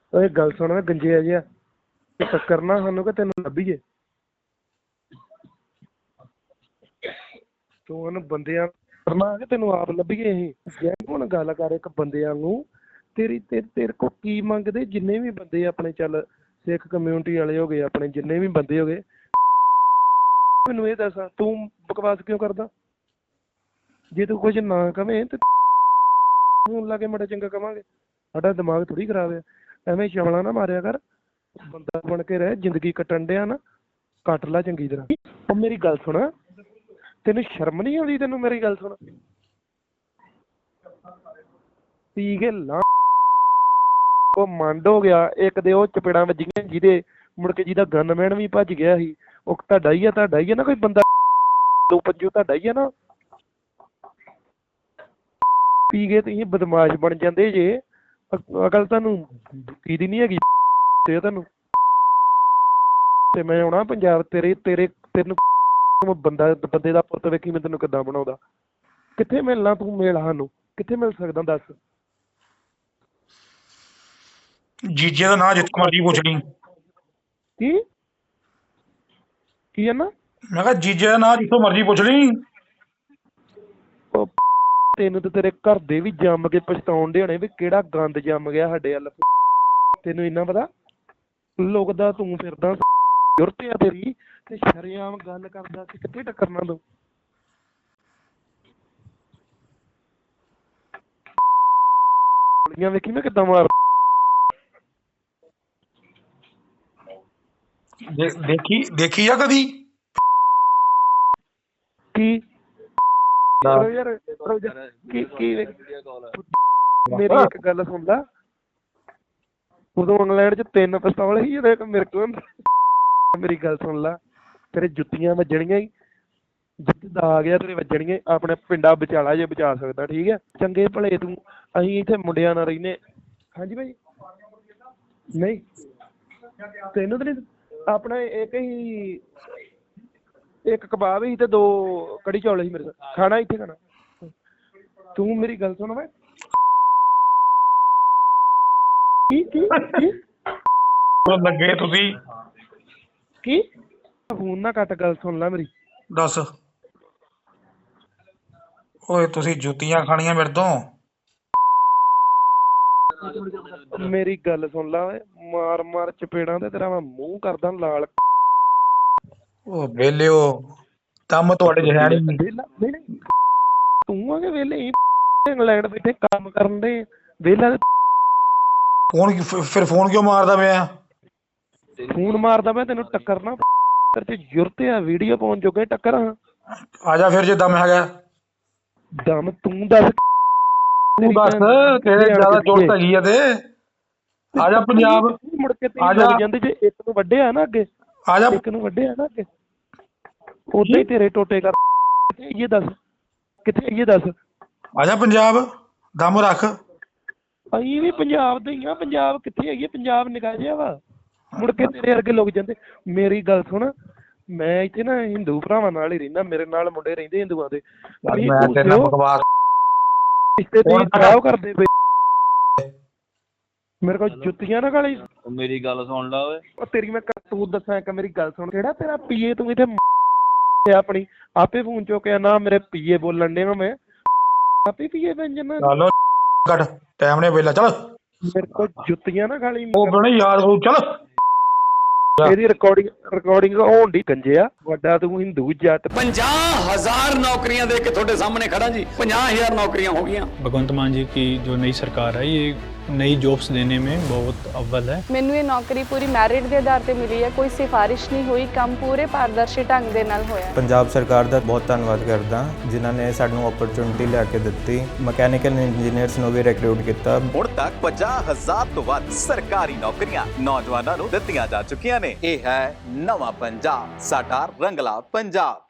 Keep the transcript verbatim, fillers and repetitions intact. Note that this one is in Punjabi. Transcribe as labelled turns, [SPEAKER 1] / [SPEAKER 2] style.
[SPEAKER 1] ਓਏ गल सुन गंजे जिहा टक्करना सानू कि तेन लभीए तू उन्हें बंदियां करना कि तेन आप लभीए असीं हुण गल कर एक बंदे वांगू तेरी ते, तेरे को की मंगदे जिन्ने भी बंदे अपने चल सिख कम्यूनिटी वाले हो गए अपने जिन्ने भी बंदे हो गए मैनू ये दस तू बकवास क्यों करदा जे तू कुछ ना कवें ते फोन ला के माड़ा चंगा कवांगे साडा दिमाग थोड़ी खराब है ਐਵੇਂ ਛਵਲਾ ਨਾ ਮਾਰਿਆ ਕਰ ਬੰਦਾ ਬਣ ਕੇ ਰਹਿ ਜ਼ਿੰਦਗੀ ਕੱਟਣ ਡਿਆ ਨਾ ਕੱਟ ਲਾ ਚੰਗੀ ਤਰ੍ਹਾਂ ਉਹ ਮੇਰੀ ਗੱਲ ਸੁਣ ਤੈਨੂੰ ਸ਼ਰਮ ਨਹੀਂ ਆਉਂਦੀ ਤੈਨੂੰ ਮੇਰੀ ਗੱਲ ਸੁਣ ਪੀ ਕੇ ਲਾ ਉਹ ਮੰਡ ਹੋ ਗਿਆ ਇੱਕ ਦੇ ਉਹ ਚਪੇੜਾਂ ਵੱਜੀਆਂ ਜਿਹਦੇ ਮੁੜ ਕੇ ਜਿਹਦਾ ਗਨਮੈਨ ਵੀ ਭੱਜ ਗਿਆ ਸੀ ਉਹ ਤੁਹਾਡਾ ਹੀ ਆ ਤੁਹਾਡਾ ਹੀ ਆ ਨਾ ਕੋਈ ਬੰਦਾ ਦੋ ਪੰਜੋ ਤੁਹਾਡਾ ਹੀ ਆ ਨਾ ਪੀ ਕੇ ਤੁਸੀਂ ਬਦਮਾਸ਼ ਬਣ ਜਾਂਦੇ ਜੇ ਅਕਲ ਤੁਹਾਨੂੰ ਕੀ ਦੀ ਨਹੀਂ ਹੈਗੀ ਤੇ ਤੁਹਾਨੂੰ ਤੇ ਮੈਂ ਆਉਣਾ ਪੰਜਾਬ ਤੇਰੇ ਤੇਰੇ ਤੈਨੂੰ ਬੰਦਾ ਬੰਦੇ ਦਾ ਪੁੱਤ ਵੇਖੀ ਮੈਂ ਤੈਨੂੰ ਕਿੱਦਾਂ ਬਣਾਉਂਦਾ ਕਿੱਥੇ ਮਿਲਣਾ ਤੂੰ ਮਿਲ ਸਾਨੂੰ ਕਿੱਥੇ ਮਿਲ ਸਕਦਾ ਦੱਸ
[SPEAKER 2] ਜੀਜੇ ਦਾ ਨਾਂ ਜਿੱਥੋਂ ਮਰਜੀ ਪੁੱਛ ਲਈ
[SPEAKER 1] ਕੀ ਕੀ ਹੈ ਨਾ
[SPEAKER 2] ਮੈਂ ਕਿਹਾ ਜੀਜੇ ਦਾ ਨਾਂ ਜਿੱਥੋਂ ਮਰਜੀ ਪੁੱਛ ਲਈ
[SPEAKER 1] ਤੈਨੂੰ ਤੇ ਤੇਰੇ ਘਰ ਦੇ ਵੀ ਜੰਮ ਕੇ ਪਛਤਾਉਣ ਦੇ ਹੋਣੇ ਵੀ ਕਿਹੜਾ ਗੰਦ ਜੰਮ ਗਿਆ ਸਾਡੇ ਵੱਲ ਤੈਨੂੰ ਇੰਨਾ ਪਤਾ ਲੋਕ ਦਾ ਤੂੰ ਫਿਰਦਾ ਜ਼ਰੂਰਤ ਆ ਤੇਰੀ ਤੇ ਸ਼ਰੇਆਮ ਗੱਲ ਕਰਦਾ ਸੀ ਕਿੱਥੇ ਟੱਕਰਨਾ ਤੂੰ ਗੋਲੀਆਂ ਵੇਖੀ ਮੈਂ ਕਿੱਦਾਂ ਮਾਰ
[SPEAKER 2] ਦੇਖੀ ਦੇਖੀ ਆ ਕਦੀ
[SPEAKER 1] ਕੀ ਯਾਰ ਕੀ ਕੀ ਮੇਰੀ ਇੱਕ ਗੱਲ ਸੁਣ ਲਾ ਉਦੋਂ ਇੰਗਲੈਂਡ ਚ ਤਿੰਨ ਪਿਸਤੌਲ ਸੀ ਜਿਹੜੇ ਮੇਰੇ ਕੋਲ ਮੇਰੀ ਗੱਲ ਸੁਣ ਲਾ ਤੇਰੇ ਜੁੱਤੀਆਂ ਵੱਜਣੀਆਂ ਹੀ ਜਿੱਦਾਂ ਆ ਗਿਆ ਤੇਰੇ ਵੱਜਣੀਆਂ ਆਪਣੇ ਪਿੰਡਾ ਵਿਚਾਲਾ ਜੇ ਬਚਾ ਸਕਦਾ ਠੀਕ ਹੈ ਚੰਗੇ ਭਲੇ ਤੂੰ ਅਸੀਂ ਇੱਥੇ ਮੁੰਡਿਆਂ ਨਾਲ ਰਹਿੰਦੇ ਹਾਂਜੀ ਭਾਈ ਨਹੀਂ ਤੈਨੂੰ ਤਾਂ ਨਹੀਂ ਆਪਣਾ ਇੱਕ ਹੀ ਇੱਕ ਕਬਾਬ ਸੀ ਤੇ ਦੋ ਕੜੀ ਚੌਲ ਸੀ ਮੇਰੇ ਕੋਲ ਖਾਣਾ ਇੱਥੇ ਖਾਣਾ ਤੂੰ ਮੇਰੀ ਗੱਲ ਸੁਣ ਵੇ ਕੀ ਕੀ ਕੀ
[SPEAKER 2] ਲੱਗੇ ਤੁਸੀਂ
[SPEAKER 1] ਕੀ ਫੋਨ ਨਾ ਕੱਟ ਗੱਲ ਸੁਣ ਲੈ ਮੇਰੀ
[SPEAKER 2] ਦੱਸ ਓਏ ਤੁਸੀਂ ਜੁੱਤੀਆਂ ਖਾਣੀਆਂ ਮੇਰੇ ਤੋਂ
[SPEAKER 1] ਮੇਰੀ ਗੱਲ ਸੁਣ ਲਾ ਓਏ ਮਾਰ ਮਾਰ ਚਪੇੜਾਂ ਤੇ ਤੇਰਾ ਮੈਂ ਮੂੰਹ ਕਰਦਾ ਲਾਲ
[SPEAKER 2] ਉਹ ਵੇਲਿਓ ਕੰਮ ਤੁਹਾਡੇ ਚ ਹੈ ਨਹੀਂ
[SPEAKER 1] ਵਿਹਲਾ ਨਹੀਂ ਨਹੀਂ ਤੂੰ ਆ ਕੇ ਵਿਹਲੇ ਇੰਗਲੈਂਡ ਬੈਠੇ ਕੰਮ ਕਰਨ ਦੇ ਵਿਹਲਾ
[SPEAKER 2] ਫੋਨ ਫਿਰ ਫੋਨ ਕਿਉਂ ਮਾਰਦਾ ਪਿਆ
[SPEAKER 1] ਫੋਨ ਮਾਰਦਾ ਮੈਂ ਤੈਨੂੰ ਟੱਕਰਨਾ ਤੇਰੇ ਚ ਜ਼ਰੂਰਤ ਆ ਵੀਡੀਓ ਪਾਉਣ ਜੋਗੇ ਟੱਕਰ
[SPEAKER 2] ਆ ਜਾ ਫਿਰ ਜੇ ਦਮ ਹੈਗਾ
[SPEAKER 1] ਦਮ ਤੂੰ ਦੱਸ
[SPEAKER 2] ਤੂੰ ਦੱਸ ਤੇਰੇ ਜ਼ਿਆਦਾ ਜ਼ਰੂਰਤ ਹੈਗੀ ਆ ਤੇ ਆ ਜਾ ਪੰਜਾਬ
[SPEAKER 1] ਮੁੜ ਕੇ
[SPEAKER 2] ਆ ਜਾ
[SPEAKER 1] ਜਾਂਦੇ ਜੇ ਇੱਕ ਨੂੰ ਵੱਢਿਆ ਨਾ ਅੱਗੇ
[SPEAKER 2] ਆ ਜਾ
[SPEAKER 1] ਇੱਕ ਨੂੰ ਵੱਢਿਆ ਨਾ ਅੱਗੇ ਉਦਾਂ ਹੀ ਤੇਰੇ ਟੋਟੇ ਕਰ ਕਿੱਥੇ ਇਹ ਦੱਸ ਕਿੱਥੇ ਇਹ ਦੱਸ
[SPEAKER 2] ਆ ਜਾ ਪੰਜਾਬ ਦਮ ਰੱਖ
[SPEAKER 1] ਅਸੀਂ ਵੀ ਪੰਜਾਬ ਦੇ ਹੀ ਆ ਪੰਜਾਬ ਕਿੱਥੇ ਹੈਗੀ ਪੰਜਾਬ ਨਿਕਾ ਜਿਹਾ ਵਾ ਮੁੜ ਕੇ ਤੇਰੇ ਵਰਗੇ ਲੋਕ ਜਾਂਦੇ ਮੇਰੀ ਗੱਲ ਸੁਣ ਮੈਂ ਇੱਥੇ ਨਾ ਹਿੰਦੂ ਭਰਾਵਾਂ ਨਾਲ ਹੀ ਰਹਿੰਦਾ ਮੇਰੇ ਨਾਲ ਮੁੰਡੇ ਰਹਿੰਦੇ ਹਿੰਦੂਆਂ ਦੇ
[SPEAKER 2] ਮੈਂ ਤੇਰੇ ਨਾਲ ਬਕਵਾਸ
[SPEAKER 1] ਰਿਸ਼ਤੇ ਤੁਸੀਂ ਖਰਾਬ ਕਰਦੇ ਪਏ ਮੇਰੇ ਕੋਲ ਜੁੱਤੀਆਂ ਨਾ ਗਾਲੀ
[SPEAKER 3] ਮੇਰੀ ਗੱਲ ਸੁਣ ਲਾ ਓਏ
[SPEAKER 1] ਉਹ ਤੇਰੀ ਮੈਂ ਕਰਤੂਤ ਦੱਸਾਂ ਇੱਕ ਮੇਰੀ ਗੱਲ ਸੁਣ ਕਿਹੜਾ ਤੇਰਾ ਪੀਏ ਤੂੰ ਇੱਥੇ ਆਪਣੀ ਆਪੇ ਫੋਨ ਚੁੱਕਿਆ ਨਾ ਮੇਰੇ ਪੀਏ ਬੋਲਣ ਡਿਆ ਮੈਂ ਆਪੇ ਪੀਏ ਬਣ ਜਾਣਾ
[SPEAKER 2] ਚਲੋ ਕੱਟ ਟਾਈਮ ਨੇ ਵੇਲਾ ਚੱਲ
[SPEAKER 1] ਮੇਰੇ ਕੋਲ ਜੁੱਤੀਆਂ ਨਾ ਗਾਲੀ
[SPEAKER 2] ਉਹ ਬਣੇ ਯਾਦ ਹੋ ਚੱਲ
[SPEAKER 1] ਇਹਦੀ ਰਿਕਾਰਡਿੰਗ ਰਿਕਾਰਡਿੰਗ ਹੋਣ ਦੀ ਗੰਜਿਆ ਵੱਡਾ ਤੂੰ ਹਿੰਦੂ ਜੱਟ
[SPEAKER 4] पचास हजार नौकरियां दे के थोड़े सामने खड़ा जी पचास हजार नौकरियां हो गई
[SPEAKER 5] भगवंत मान जी की जो नई सरकार है ये नई जॉब्स देने में बहुत अव्वल है
[SPEAKER 6] ਮੈਨੂੰ ਇਹ ਨੌਕਰੀ ਪੂਰੀ ਮੈਰਿਟ ਦੇ ਆਧਾਰ ਤੇ ਮਿਲੀ ਹੈ ਕੋਈ ਸਿਫਾਰਿਸ਼ ਨਹੀਂ ਹੋਈ ਕੰਮ ਪੂਰੇ ਪਾਰਦਰਸ਼ੀ ਢੰਗ ਦੇ ਨਾਲ ਹੋਇਆ
[SPEAKER 7] ਪੰਜਾਬ ਸਰਕਾਰ ਦਾ ਬਹੁਤ ਧੰਨਵਾਦ ਕਰਦਾ ਜਿਨ੍ਹਾਂ ਨੇ ਸਾਨੂੰ ਓਪਰਚੁਨਿਟੀ ਲਿਆ ਕੇ ਦਿੱਤੀ ਮਕੈਨੀਕਲ ਇੰਜੀਨੀਅਰਸ ਨੂੰ ਵੀ ਰਿਕਰੂਟ ਕੀਤਾ
[SPEAKER 8] ਹੁਣ ਤੱਕ ਪਚਾਸ ਹਜ਼ਾਰ ਤੋਂ ਵੱਧ ਸਰਕਾਰੀ ਨੌਕਰੀਆਂ ਨੌਜਵਾਨਾਂ ਨੂੰ ਦਿੱਤੀਆਂ ਜਾ ਚੁੱਕੀਆਂ ਨੇ ਇਹ ਹੈ ਨਵਾਂ ਪੰਜਾਬ ਸਾਡਾ ਰੰਗਲਾ ਪੰਜਾਬ।